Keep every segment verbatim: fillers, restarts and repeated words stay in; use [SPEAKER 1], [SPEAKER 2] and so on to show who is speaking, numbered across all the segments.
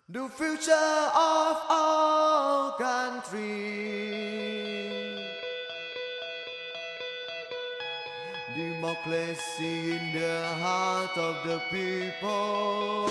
[SPEAKER 1] The future of our country, democracy in the heart of the people.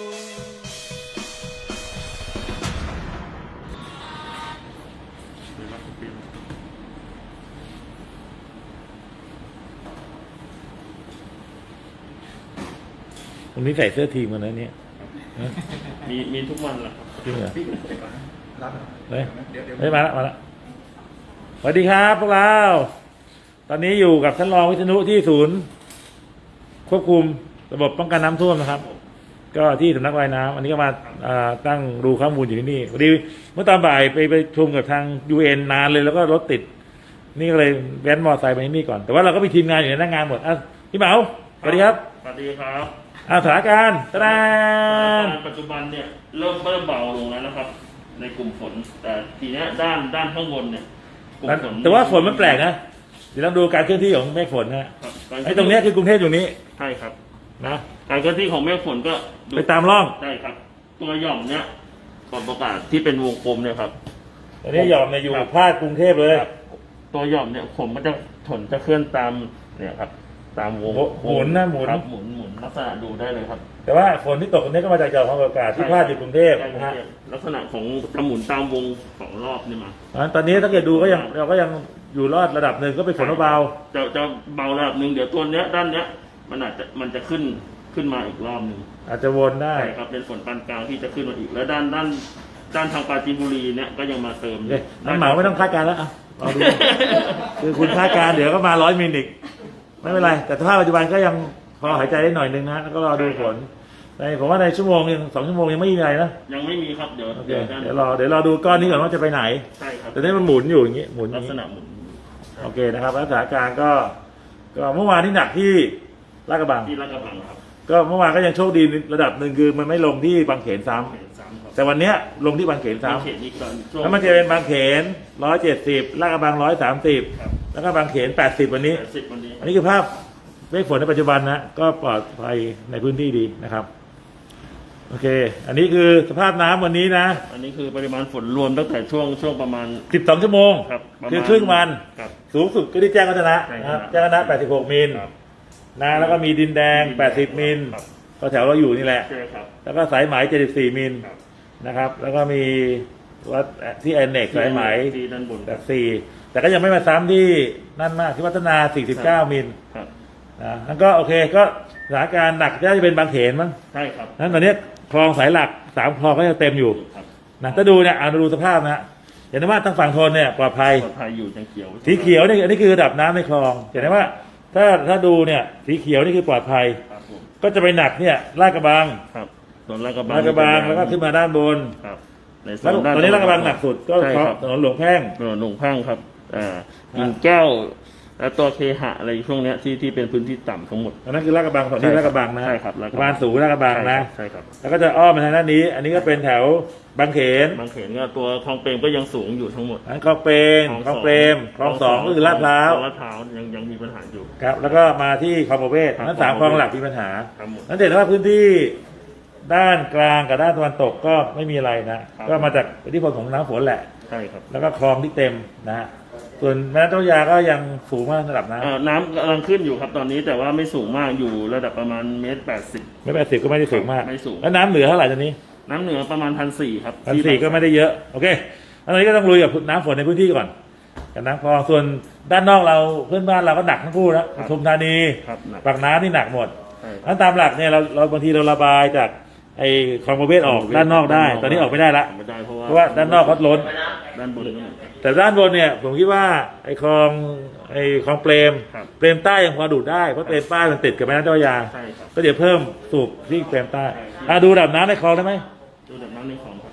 [SPEAKER 2] วันนี้ใส่เสื้อทีมกันนะเนี่ย
[SPEAKER 3] มีมีทุกวันแหละครับ
[SPEAKER 2] จริงเหรอ
[SPEAKER 4] รับ
[SPEAKER 2] เฮ้ย
[SPEAKER 4] เดี๋ยวเดี๋ยว
[SPEAKER 2] เฮ้ยมาละมาละสวัสดีครับพวกเรา ตอนนี้อยู่กับท่านรองวิษณุที่ศูนย์ ควบคุมระบบป้องกันน้ำท่วมนะครับ ก็ที่สำนักระบายน้ำอันนี้ก็มาอ่าตั้งดูข้อมูลอยู่ที่นี่พอดีเมื่อตอนบ่ายไปไปประชุมกับทาง ยู เอ็น นานเลยแล้วก็รถติด นี่ก็เลยแว้นมอเตอร์ไซค์ไปที่นี่ก่อน แต่ว่าเราก็มีทีมงานอยู่ในหน้างานหมดอ่ะพี่เหมาสวัสดีครับ
[SPEAKER 3] สวัสดีครับ
[SPEAKER 2] อ่าสถานการณ์ตะ
[SPEAKER 3] ส
[SPEAKER 2] ดา
[SPEAKER 3] ถาน นการณ์ปัจจุบันเนี่ยเริ่มเริ่มเบาลงแล้วนะครับ ในกลุ่มฝน แต่ทีเนี้ยด้านด้านข้างบนเนี่ยกลุ่มฝน
[SPEAKER 2] แต่ว่าฝนมันแปลกนะเดี๋ยวลองดูการเคลื่อนที่ของเมฆฝนนะฮะ
[SPEAKER 3] ครับ
[SPEAKER 2] ไอ้ตรงเนี้ยคือกรุงเทพอยู่นี้
[SPEAKER 3] ใช่ครับ
[SPEAKER 2] นะ
[SPEAKER 3] การเคลื่อนที่ของเมฆฝนก็ดู
[SPEAKER 2] ไปตามร่อง
[SPEAKER 3] ใช่ครับ ตัวหย่อมเนี่ยก่อนประกาศที่เป็นวงกลมเนี่ยครับ
[SPEAKER 2] ตอนนี้หย่อมเนี่ยอยู่
[SPEAKER 3] ครับ
[SPEAKER 2] ภาคกรุงเทพเลย
[SPEAKER 3] ครับตัวหย่อมเนี่ยผมก็จะถนจะเคลื่อนตามเนี่ยครับ ตามวง
[SPEAKER 2] หมุนนะหมุน
[SPEAKER 3] ครับหมุนหมุนลักษณะดูได้เลยครับ
[SPEAKER 2] แต่ว่าฝนที่ตกตรงนี้ก็มาจากหย่อมความกดอากาศที่พาดอยู่กรุงเทพ
[SPEAKER 3] ใช่
[SPEAKER 2] นะ
[SPEAKER 3] ครั
[SPEAKER 2] ฮะ
[SPEAKER 3] บลักษณะของจะหมุนตามวงของรอบนี่มา
[SPEAKER 2] งั้นตอนนี้ถ้าเกิดดูก็ยังเราก็ยังอยู่รอดระดับหนึ่งก็เป็นฝนเบา
[SPEAKER 3] จะจะเบาระดับหนึ่งเดี๋ยวตัวเนี้ยด้านเนี้ยมันอาจจะมันจะขึ้นขึ้นมาอีกรอบหนึ่ง
[SPEAKER 2] ๆอาจจะวนได้
[SPEAKER 3] ใช่ครับเป็นฝนปานกลางที่จะขึ้นมาอีกแล้วด้านด้านด้านทางปราจีนบุรีเนี่ยก็ยังมาเติม
[SPEAKER 2] เอ้ยน้ำเหมาไม่ต้องคาดการณ์แล้วอ่ะเอาดู คือคุณคาดการณ์เดี๋ยวก็มาร้อยมิลลิกไม่เป็นไร แต่สภาพปัจจุบันก็ยังพอหายใจได้หน่อยนึงนะแล้วก็รอดูฝนในผมว่าในชั่วโมงยังสองชั่วโมงยังไม่มีอะไรนะ
[SPEAKER 3] ยังไม่มีครับเดี๋ยว
[SPEAKER 2] โอเค
[SPEAKER 3] เดี๋ยวด้าน
[SPEAKER 2] เดี๋ยวรอเดี๋ยวรอดูก้อนนี้ก่อนว่าจะไปไหน
[SPEAKER 3] ใช่ครับ
[SPEAKER 2] แต่นี่มันหมุนอยู่อย่างนี้หมุนอ
[SPEAKER 3] ลั
[SPEAKER 2] ย่าก ง
[SPEAKER 3] ษ
[SPEAKER 2] นี้
[SPEAKER 3] ณะหมุน
[SPEAKER 2] โอเคนะครับแล้วสถานการณ์ก็ก็เมื่อวานที่หนักที่ลาดกระบัง
[SPEAKER 3] ที่ลาดกระบังครับ
[SPEAKER 2] ก็เมื่อวานก็ยังโชคดีระดับหนึ่งคือมันไม่ลงที่บางเขนซ้ำ
[SPEAKER 3] เขตสามครับ
[SPEAKER 2] แต่วันเนี้ยลงที่บางเขนซ้
[SPEAKER 3] บางเขตนี้ก่อนช่ว
[SPEAKER 2] ำ
[SPEAKER 3] ง
[SPEAKER 2] แล้วมันจะเป็นบางเขนร้อยเจ็ดสิบลาดกระบังร้อยสามสิบ
[SPEAKER 3] ครับ
[SPEAKER 2] แล้วก็บางเขนแปดสิบวันนี้
[SPEAKER 3] แปดสิบวันนี้
[SPEAKER 2] อันนี้คือภาพเมฆฝนในปัจจุบันนะก็ปลอดภัยในพื้นที่ดีนะครับโอเค อันนี้คือสภาพน้ำวันนี้นะ
[SPEAKER 3] อันนี้คือปริมาณฝนรวมตั้งแต่ช่วงช่วงประมาณ
[SPEAKER 2] สิบสองชั่วโมง
[SPEAKER 3] ครับประมาณ
[SPEAKER 2] คือครึ่งวัน
[SPEAKER 3] ครับ
[SPEAKER 2] สูงสุดก็ที่แจ้งวัฒนะ
[SPEAKER 3] ใช่
[SPEAKER 2] นะครับ
[SPEAKER 3] ครับ
[SPEAKER 2] แจ้งวัฒนะแปดสิบหกมิล
[SPEAKER 3] ครับ
[SPEAKER 2] นะแล้วก็มีดินแดงแปดสิบมิล
[SPEAKER 3] ครับ
[SPEAKER 2] ก็แถวเราอยู่นี่แหละ
[SPEAKER 3] ใช่ครับ
[SPEAKER 2] แล้วก็สายไหมเจ็ดสิบสี่มิล
[SPEAKER 3] ครับ
[SPEAKER 2] นะครับ แล้วก็มีวัดที่แอนเน็กสายไหม
[SPEAKER 3] ที่ด้านบน
[SPEAKER 2] แบบสี่แต่ก็ยังไม่มาซ้ำที่นั่นมากที่วัฒนาสี่สิบเก้ามิล
[SPEAKER 3] ครับ
[SPEAKER 2] นะนั่นก็โอเคก็สถานการณ์หนักน่าจะเป็นบางเขนมั้ง
[SPEAKER 3] ใช่ครับ
[SPEAKER 2] นั้นตอนนี้คลองสายหลักสามคลองก็ยังเต็มอยู่
[SPEAKER 3] ครับ
[SPEAKER 2] นะถ้าดูเนี่ยเอาดูสภาพนะฮะเห็นได้ว่าทางฝั่งทนเนี่ยปลอดภัย
[SPEAKER 3] ปลอดภัยอยู่จังเขียว
[SPEAKER 2] สีเขียวนี่อันนี้คือระดับน้ำในคลองเห็นได้ว่า ถ้าถ้าดูเนี่ยสีเขียวนี่คือปลอดภัย
[SPEAKER 3] ครับผม
[SPEAKER 2] ก็จะไปหนักเนี่ยลาดกระบัง
[SPEAKER 3] ครับส่วนลาดกระบัง
[SPEAKER 2] ลาดกระบังแล้วก็ขึ้นมาด้านบน
[SPEAKER 3] ครับในส่
[SPEAKER 2] แล้ว
[SPEAKER 3] วนด้าน
[SPEAKER 2] ตอนนี้ลาดกระบังหนักสุดก็
[SPEAKER 3] ใช่
[SPEAKER 2] เพราะ
[SPEAKER 3] ครับ
[SPEAKER 2] ถนนหลวงแพ่ง
[SPEAKER 3] ถนนหลวงแพ่งครับอ่ากิ่งแก้ว แล้วตัวเคหะอะไรช่วงเนี้ยที่ที่เป็นพื้นที่ต่ำทั้งหมด
[SPEAKER 2] อันนั้นคือลาดกระบังฝั่งนี้ลาดกระบังนะ
[SPEAKER 3] ใช่ครับลาดก
[SPEAKER 2] สะ
[SPEAKER 3] ระบัง
[SPEAKER 2] พานสูงลาดกระบังนะ
[SPEAKER 3] ใช่ครับ
[SPEAKER 2] แล้วก็จะอ้อมมาทางด้านนี้ อันนี้ก็เป็นแถวบางเขน
[SPEAKER 3] บางเขนก็ตัวคลองเปรมก็ยังสูงอยู่ทั้งหมด
[SPEAKER 2] อันคลองเปรมคลองเปรมคลองสองก็คือลาดพร้าว
[SPEAKER 3] คลองลาดพร้าวยังยังมีปัญหาอยู่
[SPEAKER 2] ครับแล้วก็มาที่คลองประเวศ
[SPEAKER 3] ครับ
[SPEAKER 2] นั้นสาม
[SPEAKER 3] ค
[SPEAKER 2] ค
[SPEAKER 3] ล
[SPEAKER 2] ล
[SPEAKER 3] อ
[SPEAKER 2] อง ง
[SPEAKER 3] ประเวศ
[SPEAKER 2] หลักมีปัญหา
[SPEAKER 3] ทั้งหมด
[SPEAKER 2] นั้นเห็นว่าพื้นที่ด้านกลางกับด้านตะวันตกก็ไม่มีอะไรนะ
[SPEAKER 3] ครับ
[SPEAKER 2] ก็มาจากอิทธิพลของน้ำฝนแหละ
[SPEAKER 3] ใช่ครับ
[SPEAKER 2] แล้วก็คลองที่เต็มนะฮะส่วนแม่น้ำเจ้าพระยาก็ยังสูงมากระดับน้
[SPEAKER 3] เอ่อน้ำกำลังขึ้นอยู่ครับตอนนี้แต่ว่าไม่สูงมากอยู่ระดับประมาณเมตรแปดสิบ
[SPEAKER 2] ำไม่แปดสิบก็ไม่ได้สูงมาก
[SPEAKER 3] ไม่สูง
[SPEAKER 2] แล้วน้ำเหนือเท่าไหร่ตอนนี้
[SPEAKER 3] น้ำเหนือประมาณพันสี่ครับ
[SPEAKER 2] พันสี่ก็ไม่ได้เยอะโอเคอันนี้ก็ต้องลุยกับน้ำฝนในพื้นที่ก่อนกับน้ำคลองส่วนด้านนอกเราเพื่อนบ้านเราก็หนักทั้งคู่นะปทุมธานี
[SPEAKER 3] ครับหนัก
[SPEAKER 2] ปากน้ำนี่หนักหมด
[SPEAKER 3] ใช่ครับ
[SPEAKER 2] นั้นตามหลักเนี่ยเราเราบางทีเราระบายจากไอ้คลองประเวศออกด้านนอกได้ ตอนนี้ออกไม่ได้ละ
[SPEAKER 3] ไม่ได้เพราะว่า
[SPEAKER 2] เพราะว่าด้านนอกเขาล้น
[SPEAKER 3] ด้านบนก็เหมือนกัน
[SPEAKER 2] แต่ด้านบนเนี่ยผมคิดว่าไอ้คลองไอ้คลองเปรม
[SPEAKER 3] ครับ
[SPEAKER 2] เปรมใต้ยังพอดูดได้เพราะเปรมใต้มันติดกับแม่น้ำเจ้าพระยา
[SPEAKER 3] ใช่ครับ
[SPEAKER 2] ก็เดี๋ยวเพิ่มสูบที่เปรมใต้อ่ะดูระดับน้ำในคลองได้ไหม
[SPEAKER 3] ดูแบบน้ำในคลองครับ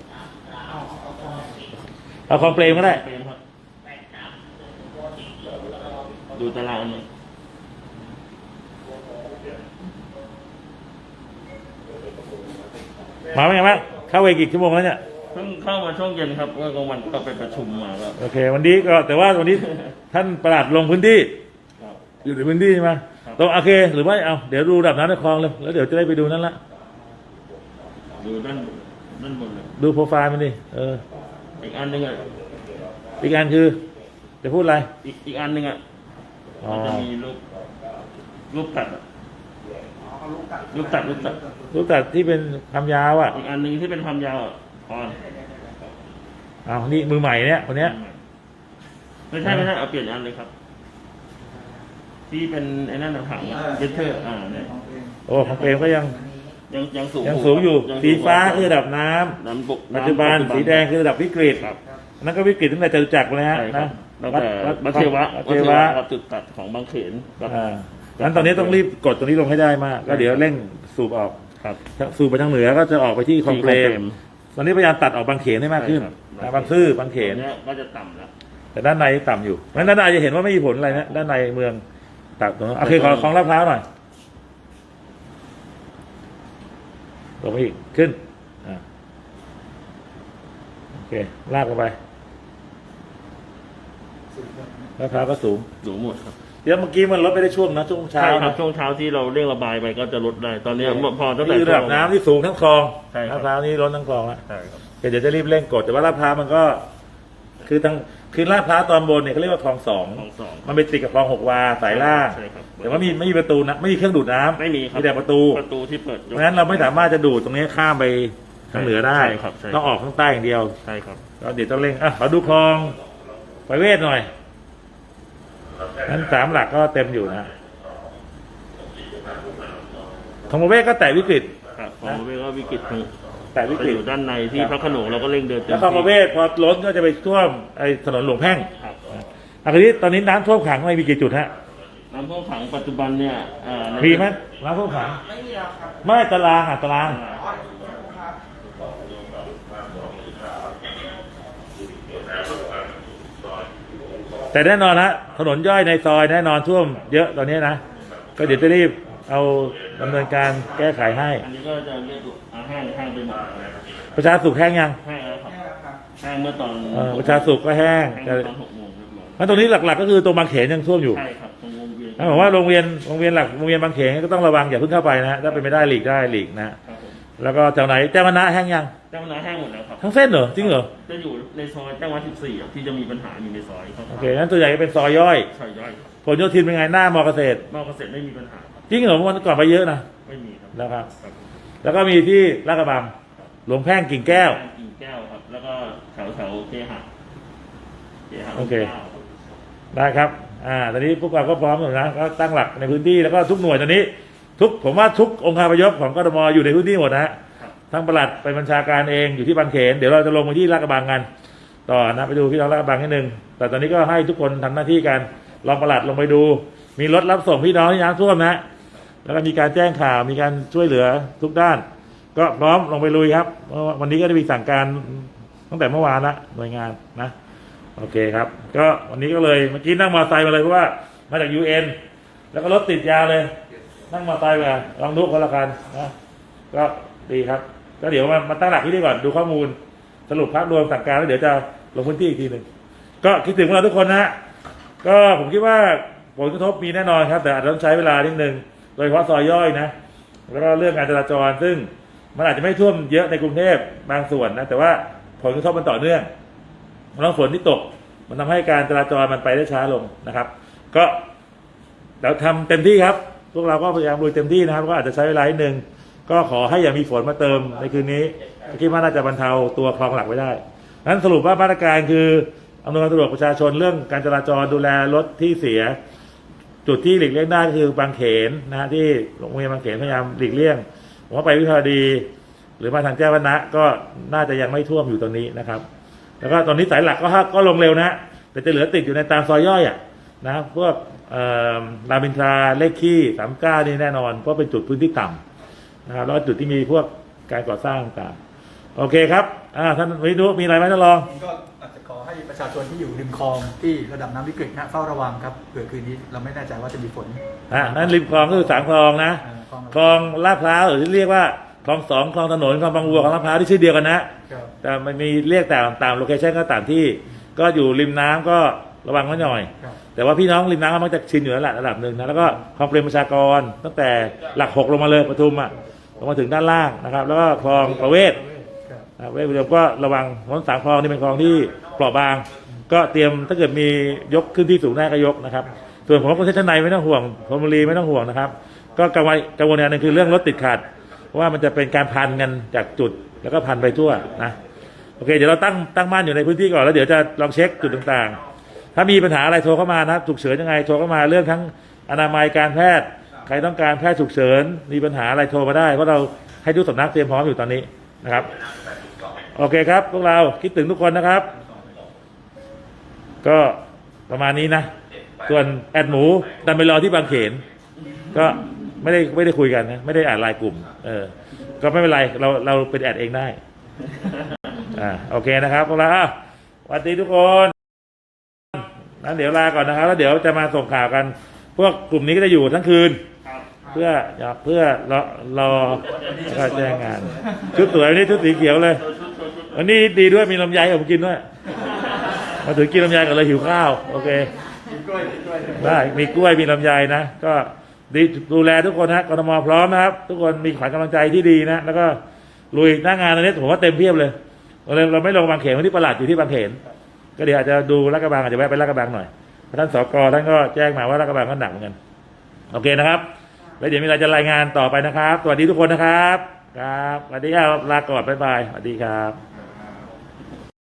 [SPEAKER 2] เอาคลองเปรมก็ได้
[SPEAKER 3] เปรมครับดูตารางมัน
[SPEAKER 2] มาเป็นไงบ้างเข้าไปกี่ชั่วโมงแล้วเนี่ย
[SPEAKER 3] เพิ่งเข้ามาช่วงเย็นครับเมื่อกลางวันก็ไปประชุมมาครับ
[SPEAKER 2] โอเค วันนี้ก็แต่ว่าวันนี้ ท่านประหลัดลงพื้นที่
[SPEAKER 3] ครับ
[SPEAKER 2] อยู่ในพื้นที่ใช่ไหม
[SPEAKER 3] ครับ
[SPEAKER 2] ตรงโอเคหรือว่าเอาเดี๋ยวดูระดับน้ำในคลองเลยแล้วเดี๋ยวจะได้ไปดูนั่นละ
[SPEAKER 3] ดูด้านด้านบนเลย
[SPEAKER 2] ดูโปรไฟล์มันดิเออ
[SPEAKER 3] อีกอันหนึ่งอ่ะ
[SPEAKER 2] อีกอันคือจะพูดอะไร
[SPEAKER 3] อีกอีกอันหนึ่งอ่ะ
[SPEAKER 2] อ๋อ
[SPEAKER 3] มันจะมีรูปรูปตัดอะรูปตัดรูปตัด
[SPEAKER 2] รูปตัดที่เป็นความยาวอ่ะ
[SPEAKER 3] อีกอันหนึ่งที่เป็นความยาวอะออน
[SPEAKER 2] อ้าวนี่มือใหม่เนี่ยคนเนี้ย
[SPEAKER 3] ไม่ใช่ไม่ใช่เอาเปลี่ยนอันเลยครับ ที่เป็นไอ้นั่นน่ะถังเจนเทอร์อ่าเนี่ย
[SPEAKER 2] โอ้ของเปรมก็ยัง
[SPEAKER 3] ยังยังสูง
[SPEAKER 2] ยังสูงอยู่
[SPEAKER 3] ยัง
[SPEAKER 2] สีฟ้า
[SPEAKER 3] สูง
[SPEAKER 2] คือระดับน้ำ
[SPEAKER 3] น้ำบก
[SPEAKER 2] ปัจจุบันสีแดงคือระดับวิกฤต
[SPEAKER 3] ครับ
[SPEAKER 2] นั่นก็วิกฤตตั้งแต่จตุจักรเลยฮะ
[SPEAKER 3] ใช่ครั
[SPEAKER 2] นะ
[SPEAKER 3] บตั้งแต่วัดเทวะ
[SPEAKER 2] วั
[SPEAKER 3] วั
[SPEAKER 2] ด
[SPEAKER 3] ด
[SPEAKER 2] เท
[SPEAKER 3] เท
[SPEAKER 2] วะ
[SPEAKER 3] วะกับจุดตัดของบางเขนกับ
[SPEAKER 2] อ่างั้นตอนนี้ต้องรีบกดตรงนี้ลงให้ได้มากก็เดี๋ยวเร่งสูบออก
[SPEAKER 3] ครับ
[SPEAKER 2] สูบไปทางเหนือก็จะออกไปที่คลองเปรมตอนนี้พยายามตัดออกบางเขนให้มากขึ้น
[SPEAKER 3] ใช่ครับ
[SPEAKER 2] นะบางซื่อบางเขน
[SPEAKER 3] ตัวเนี้ยก็จะต่ำแล้ว
[SPEAKER 2] แต่ด้านในต่ำอยู่เพราะฉะนั้นด้านในจะเห็นว่าไม่มีผลอะไรนะด้านในเมืองตัดตรงนั้นโอเคขอของลาดพร้าวหน่อยลงไปอีกขึ้นอ่าโอเคลากลงไปลาดพร้าวก็สูง
[SPEAKER 3] สูงหมดครับ
[SPEAKER 2] เดี๋ยวเมื่อกี้มันลดไปได้ช่วงนะช่วงเช้า
[SPEAKER 3] ใช่ครับ
[SPEAKER 2] นะ
[SPEAKER 3] ช่วงเช้าที่เราเร่งระบายไปก็จะลดได้ ตอนเนี้ยพอตั้งแต่
[SPEAKER 2] นี่คือระดับน้ำที่สูงทั้งคลอง
[SPEAKER 3] ใช่ครับ
[SPEAKER 2] ลาดพร้าวนี่ล้นทั้งคลองแล้ว
[SPEAKER 3] ใช่ครับ
[SPEAKER 2] เดี๋ยวจะรีบเร่งกดแต่ว่าลาดพร้าวมันก็ คือทั้งคือลาดพร้าวตอนบนเนี่ยเขาเรียกว่าคลองสอง
[SPEAKER 3] ของสอง
[SPEAKER 2] มันไปติดกับคลองหกวาสายล่าง
[SPEAKER 3] ใช่ครับ
[SPEAKER 2] แต่ว่ามีไม่มีประตูนะไม่มีเครื่องดูดน้ำ
[SPEAKER 3] ไม่มีครับ
[SPEAKER 2] มีแต่ประตู
[SPEAKER 3] ประตูที่เปิด
[SPEAKER 2] เพราะฉะนั้นเราไม่สามารถจะดูดตรงนี้ข้ามไปทางเหนือได้
[SPEAKER 3] ใช่ครับใช่ครับ
[SPEAKER 2] ต้องออกข้างใต้อย่างเดียว
[SPEAKER 3] ใช่ครับ
[SPEAKER 2] ก็เดี๋ยวต้องเร่งอ่ะขอดูคลองไปเวทหน่อยนั้นสามหลักก็เต็มอยู่นะของประเวศก็แตะวิกฤต
[SPEAKER 3] ครับของประเวศก็วิกฤตคือ
[SPEAKER 2] แตะวิ
[SPEAKER 3] ไป
[SPEAKER 2] กฤ
[SPEAKER 3] อ
[SPEAKER 2] ต
[SPEAKER 3] ยู่ด้านในที่พระโขนงเราก็เร่งเดินเต็ม
[SPEAKER 2] แล้วคลองประเว
[SPEAKER 3] ที่
[SPEAKER 2] ศพอล้นก็จะไปท่วมไอ้ถนนหลวงแพ่ง
[SPEAKER 3] ครับ
[SPEAKER 2] อันนี้ตอนนี้น้ำท่วมขังไม่มีกี่จุดฮะ
[SPEAKER 3] น้ำท่วมขังปัจจุบันเนี่ยอ่าใน
[SPEAKER 2] มีไหมน้ำท่วมขังไม่มีแล้วครับไม่ตารางอ่ะตารางแต่แน่นอนนะถนนย่อยในซอยแน่นอนท่วมเยอะตอนนี้นะก็เดี๋ยวจะรีบเอาดำเนินการแก้ไขให้
[SPEAKER 3] อันนี้ก็จะเรียกอ่าแห้งแห้งไปหมด
[SPEAKER 2] ประชาสุขแห้งยัง
[SPEAKER 3] แห้งแล้วครับแห้งเมื่อตอน
[SPEAKER 2] เออประชาสุขก็แห้ง
[SPEAKER 3] แห้ง
[SPEAKER 2] แต่
[SPEAKER 3] ตอนหกโมงเรียบร้อย
[SPEAKER 2] แล้วตรงนี้หลักๆก็คือตรงบางเขนยังท่วมอยู่
[SPEAKER 3] ใช่ครับตรงวงเวียน
[SPEAKER 2] นั่นหมายว่าโรงเรียนโรงเรียนหลักโรงเรียนบางเขนก็ต้องระวังอย่าเพิ่งเข้าไปนะฮะถ้าเป็นไม่ได้หลีกได้หลีกนะ
[SPEAKER 3] ครับผม
[SPEAKER 2] แล้วก็แถวไหนแจ้งวัฒนะแห้งยัง
[SPEAKER 3] เจ้าหน้าแห้งหมดแล้วครับ
[SPEAKER 2] ทั้งเส้นเหรอจริงเหรอ
[SPEAKER 3] จะอยู่ในซอยแจ้งวัดสิบสี่ที่จะมีปัญหาอยู่ในซอยครับ
[SPEAKER 2] โอเคงั้นตัวใหญ่ก็เป็นซอยย่อย
[SPEAKER 3] ซอยย่อยครับ
[SPEAKER 2] ผลโยธินเป็นไงหน้ามอเกษตร
[SPEAKER 3] นอกเกษตรไม่มีปัญหาครับ
[SPEAKER 2] จริงเหรอเมื่อวันก่อนไปเยอะนะ
[SPEAKER 3] ไม่มีครับ
[SPEAKER 2] นะครับ
[SPEAKER 3] ครับ
[SPEAKER 2] แล้วก็มีที่ลาดกระบังหลวงแพ่งกิ่งแก้ว
[SPEAKER 3] กิ่งแก้วครับ แล้วก็แถวแถวเคหะเคหะ
[SPEAKER 2] โอเค
[SPEAKER 3] ก้าครับ
[SPEAKER 2] ได้ครับ อ่า ตอนนี้พวกเราก็พร้อมหมดนะ ก็ตั้งหลักในพื้นที่แล้วก็ทุกหน่วยตอนนี้ ทุกผมว่าทุกองค์การพยพของกทมอยู่ในพื้นที่หมดนะฮะ
[SPEAKER 3] ครับ
[SPEAKER 2] ทั้งปลัดไปบัญชาการเองอยู่ที่บางเขน เดี๋ยวเราจะลงไปที่ลาดกระบังกัน ต่อนะไปดูพี่น้องลาดกระบังนิดนึง แต่ตอนนี้ก็ให้ทุกคนทำหน้าที่กันรองปลัดลงไปดู มีรถรับส่งพี่น้องที่น้ำท่วมนะ แล้วก็มีการแจ้งข่าว มีการช่วยเหลือทุกด้าน ก็พร้อมลงไปลุยครับเพราะว่าวันนี้ก็ได้มีสั่งการตั้งแต่เมื่อวานละหน่วยงานนะ โอเคครับ ก็วันนี้ก็เลยเมื่อกี้นั่งมอเตอร์ไซค์มาเลยเพราะว่ามาจากยูเอ็นแล้วก็รถติดยาวเลย นั่งมอเตอร์ไซค์มาลองดูคนละคันนะก็ดีครับ ก็เดี๋ยวมามาตั้งหลักที่นี่ก่อนดูข้อมูลสรุปภาพรวมสั่งการแล้วเดี๋ยวจะลงพื้นที่อีกทีหนึ่งก็คิดถึงพวกเราทุกคนนะฮะก็ผมคิดว่าผลกระทบมีแน่นอนครับ แต่อาจจะต้องใช้เวลานิดนึงโดยเฉพาะซอยย่อยนะแล้วก็เรื่องการจราจรซึ่งมันอาจจะไม่ท่วมเยอะในกรุงเทพบางส่วนนะแต่ว่าผลกระทบมันต่อเนื่องน้ำฝนที่ตกมันทำให้การจราจรมันไปได้ช้าลงนะครับ ก็เราทำเต็มที่ครับ พวกเราก็พยายามลุยเต็มที่นะครับก็อาจจะใช้เวลานิดนึงก็ขอให้อย่ามีฝนมาเติมในคืนนี้คิดว่าน่าจะบรรเทาตัวคลองหลักไว้ได้นั้นสรุปว่ามาตรการคืออำนวยความสะดวกประชาชนเรื่องการจราจรดูแลรถที่เสีย จุดที่หลีกเลี่ยงได้ก็คือบางเขนนะฮะที่โรงเรียนบางเขนพยายามหลีกเลี่ยงผมว่าไปวิภาวดี หรือมาทางแจ้งวัฒนะก็น่าจะยังไม่ท่วมอยู่ตรงนี้นะครับ แล้วก็ตอนนี้สายหลักก็ก็ลงเร็วนะแต่จะเหลือติดอยู่ในตามซอยย่อยอ่ะนะพวกรามอินทราเลขขี้สามเก้านี่แน่นอนเพราะเป็นจุดพื้นที่ต่ำนะครับแล้วก็จุดที่มีพวกการก่อสร้างต่างโอเคครับอ่าท่านวินุมีอะไรไหมท่านรอง
[SPEAKER 4] ก็อาจจะขอให้ประชาชนที่อยู่ริมคลองที่ระดับน้ำวิกฤตนะเฝ้าระวังครับเผื่อคืนนี้เราไม่แน่ใจว่าจะมีฝน
[SPEAKER 2] อ่านั่นริมคลองก็คือสามคลองนะ
[SPEAKER 4] อ่าคลอง
[SPEAKER 2] คลองลาดพร้าวหรือที่เรียกว่าคลองสองคลองถนนคลองบางวัวคลองลาดพร้าวที่ชื่อเดียวกันนะครับ แต่มันมีเรียกแต่ตามโลเคชั่นก็ตามที่ก็อยู่ริมน้ำก็ระวังไว้หน่อย
[SPEAKER 4] ครับ
[SPEAKER 2] แต่ว่าพี่น้องริมน้ำก็มักจะชินอยู่แล้วแหละระดับหนึ่งนะแล้วก็คลองเปรมประชากรตั้งแต่หลักหกลงมาเลยปทุมอ่ะลงมาถึงด้านล่างนะครับ แล้วก็คลองประเวศ
[SPEAKER 4] ครับ
[SPEAKER 2] นะเวทอุดมก็ระวังเพราะสามคลองนี่เป็นคลองที่เปราะบาง ก็เตรียมถ้าเกิดมียกขึ้นที่สูงได้ก็ยกนะครับ ส่วนของประเทศชั้นในไม่ต้องห่วงธนบุรีไม่ต้องห่วงนะครับ ก็กังวลกังวลอย่างหนึงคือเรื่องรถติดขัดเพราะว่ามันจะเป็นการพันกันจากจุดแล้วก็พันไปทั่วนะโอเคเดี๋ยวเราตั้งตั้งมั่นอยู่ในพื้นที่ก่อนแล้วเดี๋ยวจะลองเช็คจุดต่างๆ ถ้ามีปัญหาอะไรโทรเข้ามานะครับฉุกเฉินยังไงโทรเข้ามาเรื่องทั้งอนามัยการแพทย์ใครต้องการแพทย์ฉุกเฉินมีปัญหาอะไรโทรมาได้เพราะเราให้ทุกสำนักเตรียมพร้อมอยู่ตอนนี้นะครับโอเคครับพวกเราคิดถึงทุกคนนะครับ ก็ประมาณนี้นะส่วนแอดหมูดันไปรอที่บางเขนก็ไม่ได้ไม่ได้คุยกันนะไม่ได้อ่านไลน์กลุ่มเออก็ไม่เป็นไรเราเราเป็นแอดเองได้อ่าโอเคนะครับพวกเราอ้าวสวัสดีทุกคนนั้นเดี๋ยวลาก่อนนะครับแล้วเดี๋ยวจะมาส่งข่าวกัน พวกกลุ่มนี้ก็จะอยู่ทั้งคืน
[SPEAKER 3] ครับ
[SPEAKER 2] เพื่ออยากเพื่อรอรอแล้วก็แจ้งงาน ชุดสวยวันนี้ชุดสีเขียวเลย
[SPEAKER 3] ตัวชุดตัวชุด
[SPEAKER 2] วันนี้ดีด้วยมีลำไยให้ผมกินด้วยมาถึงกินลำไยกันเลยหิวข้าวโอเค
[SPEAKER 4] กินกล้วยกินกล้วย
[SPEAKER 2] ได้มีกล้วยมีลำไยนะก็ดีดูแลทุกคนนะกทมพร้อมนะครับ ทุกคนมีขวัญกำลังใจที่ดีนะแล้วก็ลุยหน้างานตอนนี้ผมว่าเต็มเพียบเลยเราเลยเราไม่ลงบางเขนวันที่ประหลัดอยู่ที่บางเขนก็เดี๋ยวอาจจะดูลาดกระบังอาจจะแวะไปลาดกระบังหน่อยท่านสกท่านก็แจ้งมาว่าลาดกระบังก็หนักเหมือนกันโอเคนะครับแล้วเดี๋ยวมีอะไรจะรายงานต่อไปนะครับสวัสดีทุกคนนะครับครับสวัสดีครับลาก่อนบ๊ายบายสวัสดีครับ